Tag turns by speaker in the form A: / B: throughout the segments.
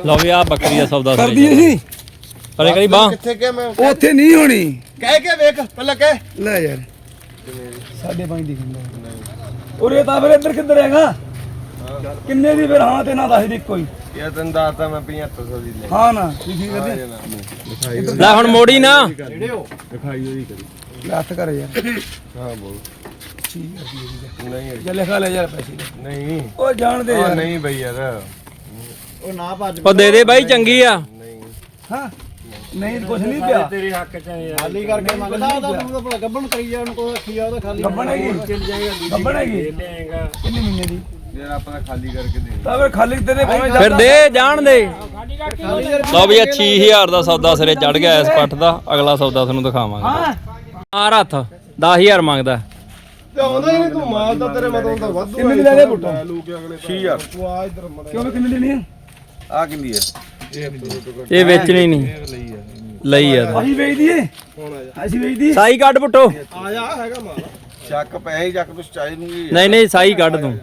A: ਲਓ ਵੀ ਆ ਬੱਕਰੀ ਦਾ ਸੌਦਾ
B: ਕਰਦੀ ਸੀ
A: ਅਰੇ ਕਰੀ ਬਾਹ
C: ਕਿੱਥੇ ਗਿਆ ਮੈਂ
B: ਉੱਥੇ ਨਹੀਂ ਹੋਣੀ
C: ਕਹਿ ਕੇ ਵੇਖ ਪਹਿਲਾਂ ਕਹਿ
B: ਲੈ ਯਾਰ 5.5 ਦੀ ਕਿੰਨਾ ਉਰੇ ਤਾਂ ਫਿਰ ਇੱਧਰ ਕਿੱਧਰ ਹੈਗਾ ਕਿੰਨੇ ਦੀ ਫਿਰ ਹਾਂ ਤੇ ਨਾ ਦੱਸ ਦੇ ਕੋਈ
C: ਯਾਰ ਤੈਨੂੰ ਦੱਸਦਾ ਮੈਂ 7500 ਦੀ ਲੈ
B: ਹਾਂ ਨਾ ਕੀ ਕਰਦੇ
A: ਲੈ ਹੁਣ ਮੋੜੀ ਨਾ
C: ਦਿਖਾਈ ਉਹਦੀ ਕਰੀ
B: ਲੱਤ ਕਰ ਯਾਰ
C: ਹਾਂ ਬੋਲ
B: ਠੀਕ ਹੈ
C: ਨਹੀਂ
B: ਜੇ ਲਿਖਾ ਲੈ ਯਾਰ ਪੈਸੇ
C: ਨਹੀਂ
B: ਉਹ ਜਾਣਦੇ
C: ਉਹ
B: ਯਾਰ
C: ਨਹੀਂ ਬਈ ਯਾਰ ਉਹ ਨਾ ਭੱਜ
A: ਉਹ ਦੇ ਦੇ ਬਾਈ ਚੰਗੀ ਆ
C: ਨਹੀਂ
B: ਹਾਂ ਨਹੀਂ ਕੁਛ ਨਹੀਂ ਪਿਆ
C: ਤੇਰੇ ਹੱਕ ਚ ਯਾਰ ਖਾਲੀ ਕਰਕੇ ਮੰਗਦਾ ਉਹਦਾ ਤੂੰ ਤਾਂ ਗੱਬਣ ਕਰੀ ਜਾ ਉਹਨੂੰ ਕੋਈ ਰੱਖੀ ਆ ਉਹਦਾ ਖਾਲੀ
B: ਗੱਬਣ ਹੈਗੀ ਗੱਬਣ ਹੈਗੀ
C: ਲੇਗਾ
B: ਕਿੰਨੇ ਮਹੀਨੇ ਦੀ
C: ਯਾਰ ਆਪਾਂ ਖਾਲੀ ਕਰਕੇ ਦੇ
B: ਤਾਂ ਫਿਰ ਖਾਲੀ ਤੇਰੇ ਭਾਵੇਂ
A: ਫਿਰ ਦੇ ਜਾਣ ਦੇ ਲਓ ਵੀ 6000 ਦਾ ਸੌਦਾ ਸਿਰੇ ਚੜ ਗਿਆ ਇਸ ਪੱਠ ਦਾ ਅਗਲਾ ਸੌਦਾ ਤੁਹਾਨੂੰ ਦਿਖਾਵਾਂਗੇ ਆ ਰੱਥ 10000 ਮੰਗਦਾ
C: ਤੇ ਆਉਂਦਾ ਹੀ ਨਹੀਂ ਤੂੰ ਮਾਲ ਤਾਂ ਤੇਰੇ ਮਤੋਂ ਤਾਂ ਵਾਧੂ
B: ਕਿੰਨੇ ਦੀ ਲੈ ਲੈ ਪੁੱਟਾ
C: ਲੋਕ ਅਗਲੇ 6000 ਤੂੰ ਆ ਇਧਰ ਮੜਾ
B: ਕਿਉਂ ਕਿੰਨੇ ਦੀ ਨਹੀਂ
C: ਆ ਕਿੰਦੀ ਹੈ
A: ਇਹ ਵੇਚਣੀ ਨਹੀਂ ਲਈ ਆ
B: ਅਸੀਂ ਵੇਚ ਦਈਏ ਅਸੀਂ ਵੇਚ ਦਈਏ
A: ਸਾਈ ਕੱਢ ਪੁੱਟੋ
C: ਆ ਜਾ ਹੈਗਾ ਮਾਲ ਚੱਕ ਪੈਸੇ ਚੱਕ ਤੂੰ ਚਾਹੀ ਦੂੰਗੀ
A: ਨਹੀਂ ਨਹੀਂ ਸਾਈ ਕੱਢ ਤੂੰ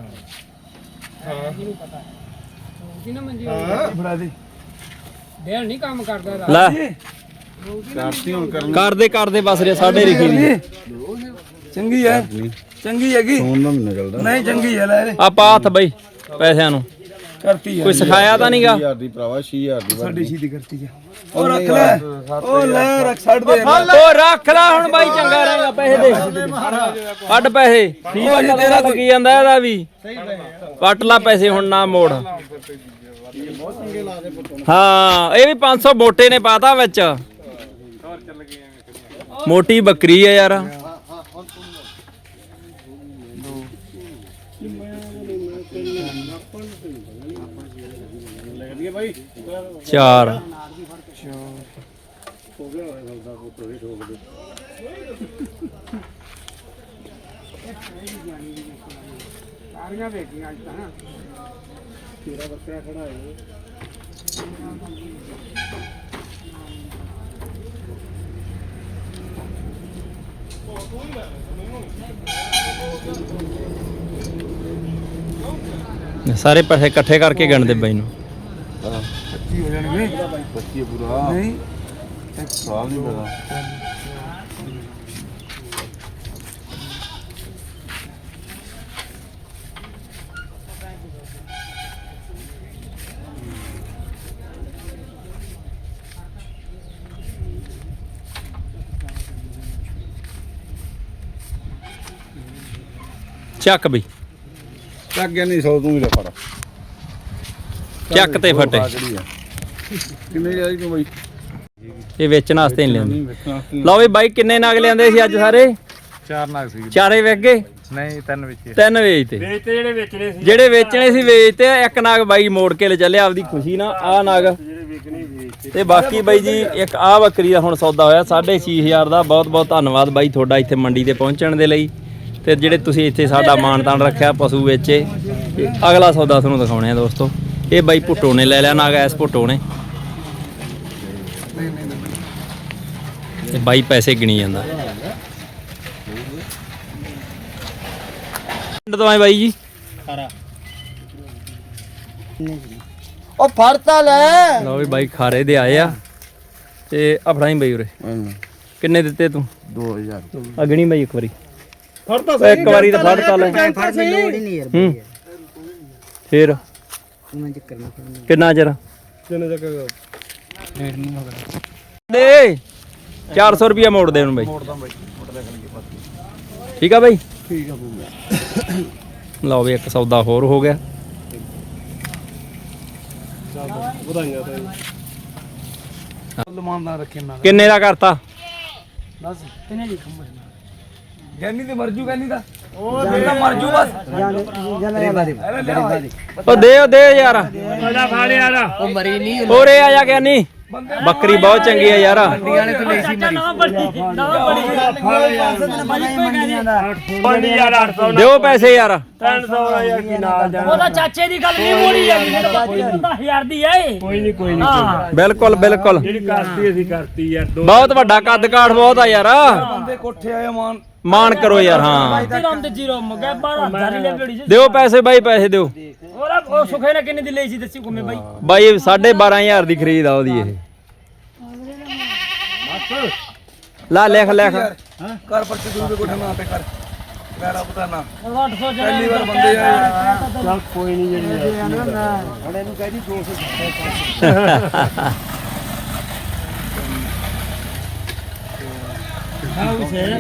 B: ਫੜਾ ਦੇ
D: ਦੇਰ ਨਹੀਂ ਕੰਮ ਕਰਦਾ
A: ਲੈ
C: ਕਰਤੀ ਹੁਣ ਕਰਨ
A: ਕਰਦੇ ਬਸ ਰੇ ਸਾਡੇ ਲਿਖੀ ਨਹੀਂ
B: ਚੰਗੀ ਹੈ ਚੰਗੀ ਹੈਗੀ
C: ਫੋਨ ਨਾ ਮੈਨੂੰ ਨਿਕਲਦਾ
B: ਨਹੀਂ ਚੰਗੀ ਹੈ ਲੈ
A: ਆ ਪਾ ਹੱਥ ਬਈ ਪੈਸਿਆਂ ਨੂੰ
B: ਕਰਤੀ ਹੈ
A: ਕੋਈ ਸਿਖਾਇਆ ਤਾਂ ਨਹੀਂਗਾ
C: 6000 ਦੀ ਭਰਾਵਾ 6000 ਦੀ
B: ਸਾਡੀ ਸੀਦੀ ਕਰਤੀ ਹੈ ਉਹ ਰੱਖ ਲੈ ਉਹ ਲੈ ਰੱਖ ਛੱਡ ਦੇ
A: ਉਹ ਰੱਖ ਲੈ ਹੁਣ ਬਾਈ ਚੰਗਾ ਰਹੇਗਾ ਪੈਸੇ ਦੇ ਕੱਢ ਪੈਸੇ ਠੀਕ ਆ ਤੇਰਾ ਲੱਗੀ ਜਾਂਦਾ ਇਹਦਾ ਵੀ ਕੱਟ ਲਾ ਪੈਸੇ ਹੁਣ ਨਾ ਮੋੜ ਹਾਂ ਇਹ ਵੀ 500 ਮੋਟੇ ਨੇ ਪਾਤਾ ਵਿੱਚ ਮੋਟੀ ਬੱਕਰੀ ਹੈ ਯਾਰ ਚਾਰ
D: ਸਾਰੀਆਂ ਵੇਖੀਆਂ ਅੱਜ ਤਾਂ ਤੇਰਾ ਬੱਕਰਾ ਖੜਾ ਹੈ
A: ਸਾਰੇ ਪੈਸੇ ਇਕੱਠੇ ਕਰਕੇ ਗਿਣਦੇ ਬਾਈ ਨੂੰ
B: 25 ਹੋ ਜਾਣਗੇ
C: 25 ਪੂਰਾ
B: ਨਹੀਂ
C: ਸਵਾਲ ਨਹੀਂ ਪਤਾ
A: ਚੱਕ ਬਈ
C: ਚੱਕ ਗਿਆ ਨਹੀਂ 100 ਤੂੰ ਹੀ ਲੈ ਫੜ
A: ਚੱਕ ਤੇ ਫਟੇ
C: ਕਿੰਨੇ ਜਾਈ ਤੂੰ ਬਈ
A: ਇਹ ਵੇਚਣ ਵਾਸਤੇ ਨਹੀਂ ਲਿਆਂਦੇ ਲਓ ਵੀ ਬਾਈ ਕਿੰਨੇ ਨਗ ਲਿਆਂਦੇ ਸੀ ਅੱਜ ਸਾਰੇ
C: 4 ਨਾਗ ਸੀ
A: ਚਾਰੇ ਵਿਕ ਗਏ
C: ਨਹੀਂ 3 ਵਿੱਚ
A: ਤਿੰਨ ਵੇਚਤੇ
D: ਵੇਚਤੇ ਜਿਹੜੇ ਵੇਚਣੇ ਸੀ
A: ਜਿਹੜੇ ਵੇਚਣੇ ਸੀ ਵੇਚਤੇ ਇੱਕ ਨਗ ਬਾਈ ਮੋੜ ਕੇ ਲੈ ਚੱਲਿਆ ਆਪਦੀ ਖੁਸ਼ੀ ਨਾਲ ਆਹ ਨਗ
D: ਜਿਹੜੇ ਵੇਚਣੇ ਵੇਚਤੇ
A: ਤੇ ਬਾਕੀ ਬਾਈ ਜੀ ਇੱਕ ਆਹ ਬੱਕਰੀ ਦਾ ਹੁਣ ਸੌਦਾ ਹੋਇਆ 6500 ਦਾ ਬਹੁਤ ਬਹੁਤ ਧੰਨਵਾਦ ਬਾਈ ਤੁਹਾਡਾ ਇੱਥੇ ਮੰਡੀ ਤੇ ਪਹੁੰਚਣ ਦੇ ਲਈ ਤੇ ਜਿਹੜੇ ਤੁਸੀਂ ਇੱਥੇ ਸਾਡਾ ਮਾਣ-ਤਾਣ ਰੱਖਿਆ ਪਸ਼ੂ ਵੇਚੇ ਅਗਲਾ ਸੌਦਾ ਤੁਹਾਨੂੰ ਦਿਖਾਉਣੇ ਆ ਦੋਸਤੋ ਇਹ ਬਾਈ ਭੁੱਟੋ ਨੇ ਲੈ ਲਿਆ ਨਗ ਐਸ ਭੁੱਟੋ ਨੇ ਤੇ ਬਾਈ ਪੈਸੇ ਗਿਣੀ ਜਾਂਦਾ ਪਿੰਡ ਤੋਂ ਆਏ ਬਾਈ ਜੀ
C: ਉਹ ਫੜਤਾ ਲੈ
A: ਲਓ ਵੀ ਬਾਈ ਖਾਰੇ ਦੇ ਆਏ ਆ ਤੇ ਆਪਣਾ ਹੀ ਬਾਈ ਉਰੇ ਕਿੰਨੇ ਦਿੱਤੇ ਤੂੰ
C: 2000
A: ਅਗਣੀ ਬਾਈ ਇੱਕ ਵਾਰੀ
C: ਫੜਤਾ
A: ਇੱਕ ਵਾਰੀ ਤਾਂ ਫੜਤਾ ਲੈ
D: ਫੜ ਦੀ ਲੋੜ ਹੀ ਨਹੀਂ ਯਾਰ
A: ਹੂੰ ਫੇਰ
D: ਮੈਂ ਚੱਕਰ ਨਾ ਫੜਨਾ
A: ਕਿੰਨਾ ਚਿਰ
C: ਕਿੰਨੇ ਤੱਕ
A: ਦੇ 400 ਰੁਪਿਆ ਮੋੜ ਦੇ ਉਹਨੂੰ ਬਾਈ ਠੀਕ ਆ ਬਾਈ
C: ਠੀਕ ਆ ਬੂਗਾ
A: ਲਓ ਵੀ ਇੱਕ ਸੌਦਾ ਹੋਰ ਹੋ ਗਿਆ
C: ਵਧਾਈਆਂ ਤਾਂ
B: ਲਮਾਨਦਾਰ ਰੱਖੇ ਨਾ
A: ਕਿੰਨੇ ਦਾ ਕਰਤਾ
B: ਬਸ ਕਿੰਨੇ ਜੀ ਖੰਭੇ ਗੈਨੀ ਤੇ ਮਰਜੂ ਗੈਨੀ ਦਾ ਉਹ ਤਾਂ ਮਰਜੂ ਬਸ
A: ਉਹ ਦੇ ਯਾਰ
D: ਉਹਦਾ ਫੜ ਯਾਰ ਉਹ ਮਰੀ ਨਹੀਂ
A: ਹੋਰੇ ਆ ਜਾ ਗਿਆ ਨਹੀਂ ਬੱਕਰੀ ਬਹੁਤ ਚੰਗੀ ਆ ਯਾਰ
D: ਵਾਲੇ ਤੇ ਲਈ ਸੀ ਮਰੀ ਨਾ ਬੜੀ ਯਾਰ 800
A: ਦਿਓ ਪੈਸੇ ਯਾਰ
D: 300 ਯਾਰ ਕੀ ਨਾਲ ਜਾਣਾ ਉਹਦਾ ਚਾਚੇ ਦੀ ਗੱਲ ਨਹੀਂ ਮੋੜੀ ਜਾਂਦੀ 1000 ਦੀ ਏ ਕੋਈ ਨਹੀਂ
A: ਬਿਲਕੁਲ ਬਿਲਕੁਲ
D: ਜਿਹੜੀ ਕਰਤੀ ਅਸੀਂ ਕਰਤੀ ਯਾਰ
A: ਬਹੁਤ ਵੱਡਾ ਕੱਦ ਕਾਠ ਬਹੁਤ ਆ ਯਾਰ
B: ਬੰਦੇ ਕੋਠੇ ਆਏ ਮਾਨ
A: ਮਾਨ ਕਰੋ ਯਾਰ ਹਾਂ
D: ਰਾਮ ਦੇ ਜੀਰੋ ਮਗਾ 12000 ਲੈ ਬੜੀ
A: ਦਿਓ ਪੈਸੇ ਬਾਈ ਪੈਸੇ ਦਿਓ
D: ਉਹ ਸੁਖੇ ਨੇ ਕਿੰਨੇ ਦੀ ਲਈ ਸੀ ਦੱਸੀ ਘੁੰਮੇ ਬਾਈ
A: ਬਾਈ 12500 ਦੀ ਖਰੀਦ ਆ ਉਹਦੀ ਇਹ ਲਾ ਲਿਖ
B: ਕਰ ਪਰਚੇ ਦੂਰ ਦੇ ਕੋਠੇ ਨਾ ਤੇ ਕਰ ਮੇਰਾ ਪਤਾ ਨਾ
D: 800
B: ਪਹਿਲੀ ਵਾਰ ਬੰਦੇ ਆ
C: ਚੱਲ ਕੋਈ ਨਹੀਂ ਜਿਹੜੀ ਹੁਣ ਇਹਨੂੰ ਕਹਿ ਦੀ 200
D: ਹਾਂ ਉਹ ਸੇ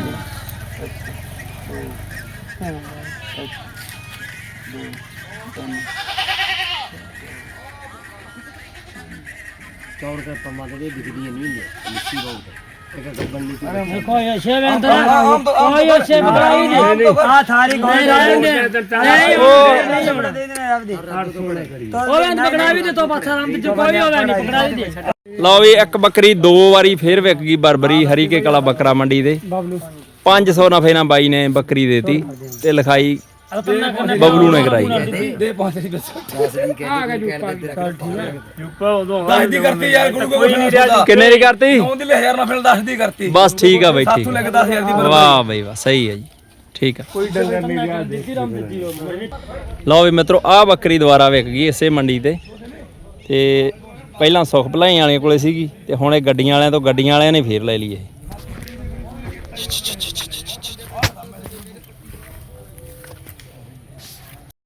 C: ਚੌੜ ਕੇ ਪਮਾ ਦੇ ਦਿਖਦੀ ਨਹੀਂ ਹੁੰਦੀ ਮਿੱਟੀ ਬਹੁਤ ਇੱਕ ਗੱਬਣ ਨਹੀਂ
D: ਕੋਈ ਸ਼ੇਵ ਅੰਦਰ ਕੋਈ ਸ਼ੇਵ ਕਰਾਈ ਨਹੀਂ ਆ ਥਾਰੀ ਕੋਈ ਰਹਿੰਦੇ ਨਹੀਂ ਉਹ ਦੇ ਦੇਣਾ ਆਪ ਦੇ ਉਹ ਬੰਦ ਪਕੜਾ ਵੀ ਦੇ ਤੋ ਪਾਸਾ ਰਾਮ ਵਿੱਚ ਕੋਈ ਹੋਵੇ ਨਹੀਂ ਪਕੜਾ ਵੀ ਦੇ
A: ਲਓ ਵੀ ਇੱਕ ਬੱਕਰੀ 2 ਵਾਰੀ ਫੇਰ ਵਿਕ ਗਈ ਬਰਬਰੀ ਹਰੀਕੇ ਕਲਾ ਬੱਕਰਾ ਮੰਡੀ ਦੇ 500 ਨਫੇ ਨਾਲ ਬਾਈ ਨੇ ਬੱਕਰੀ ਦੇਤੀ ਤੇ ਲਿਖਾਈ ਬਬਲੂ ਨੇ ਕਰਾਈ
B: ਦੇ ਪਾਸੇ ਦੀ ਦੱਸ
D: ਆ ਗਿਆ ਜੁੱਪਾ
C: ਜੁੱਪਾ ਉਦੋਂ
B: 10 ਦੀ ਕਰਤੀ ਯਾਰ ਕੋਈ ਨਹੀਂ ਰਿਹਾ
A: ਕਿੰਨੇ ਦੀ ਕਰਤੀ
B: 9 ਦੀ 1000 ਨਾਲ ਫਿਰ 10 ਦੀ ਕਰਤੀ
A: ਬਸ ਠੀਕ ਆ ਬਾਈ ਠੀਕ
B: ਸਾਥੋਂ ਲੈ ਕੇ 10000 ਦੀ
A: ਵਾਹ ਬਈ ਵਾਹ ਸਹੀ ਹੈ ਜੀ ਠੀਕ ਆ
B: ਕੋਈ ਡੰਗਰ ਨਹੀਂ ਰਿਹਾ
A: ਲਓ ਵੀ ਮਿੱਤਰੋ ਆਹ ਬੱਕਰੀ ਦੁਬਾਰਾ ਵਿਕ ਗਈ ਇਸੇ ਮੰਡੀ ਤੇ ਪਹਿਲਾਂ ਸੁਖ ਭਲਾਈ ਵਾਲਿਆਂ ਕੋਲੇ ਸੀਗੀ ਤੇ ਹੁਣ ਇਹ ਗੱਡੀਆਂ ਵਾਲਿਆਂ ਤੋਂ ਗੱਡੀਆਂ ਵਾਲਿਆਂ ਨੇ ਫੇਰ ਲੈ ਲਈ ਇਹ